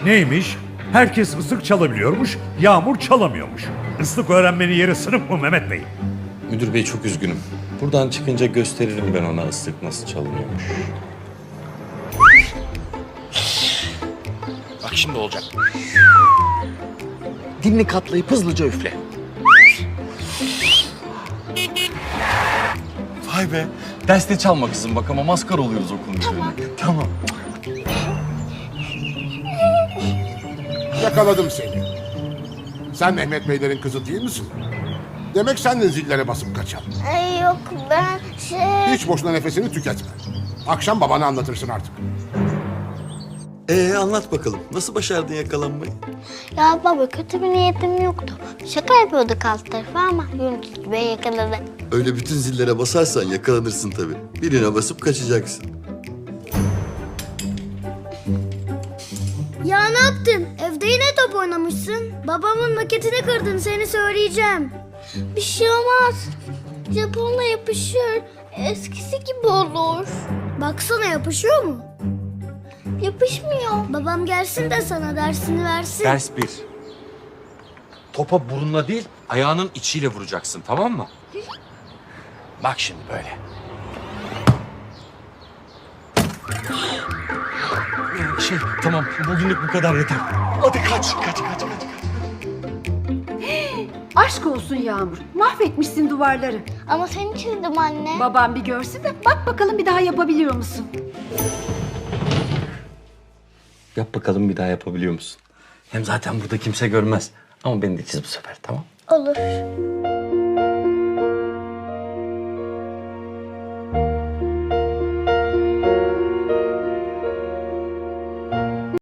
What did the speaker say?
Neymiş? Herkes ıslık çalabiliyormuş, Yağmur çalamıyormuş. Islık öğrenmenin yeri sınıf mı Mehmet Bey? Müdür bey çok üzgünüm. Buradan çıkınca gösteririm ben ona ıslık nasıl çalınıyormuş. Bak şimdi olacak. Dilini katlayıp hızlıca üfle. Vay be. Derste çalma kızım bak ama maskara oluyoruz okulun üzerine. Tamam. Yakaladım seni. Sen Mehmet Beylerin kızı değil misin? Demek sen de zillere basıp kaçan. Ay yok ben Hiç boşuna nefesini tüketme. Akşam babana anlatırsın artık. Anlat bakalım. Nasıl başardın yakalanmayı? Ya baba kötü bir niyetim yoktu. Şaka yapıyorduk alt tarafı ama Yunus Bey yakaladı. Öyle bütün zillere basarsan yakalanırsın tabii. Birine basıp kaçacaksın. Ya ne yaptın? Evde yine top oynamışsın. Babamın maketini kırdın, seni söyleyeceğim. Bir şey olmaz. Japonla yapışır. Eskisi gibi olur. Baksana yapışıyor mu? Yapışmıyor. Babam gelsin de sana dersini versin. Ders 1. Topa burunla değil, ayağının içiyle vuracaksın, tamam mı? Bak şimdi böyle. Tamam, bugünlük bu kadar yeter. Hadi kaç. Aşk olsun Yağmur. Mahvetmişsin duvarları. Ama seni çizdim anne. Babam bir görsün de bak bakalım bir daha yapabiliyor musun? Yap bakalım bir daha yapabiliyor musun? Hem zaten burada kimse görmez. Ama beni de çiz bu sefer, tamam? Olur.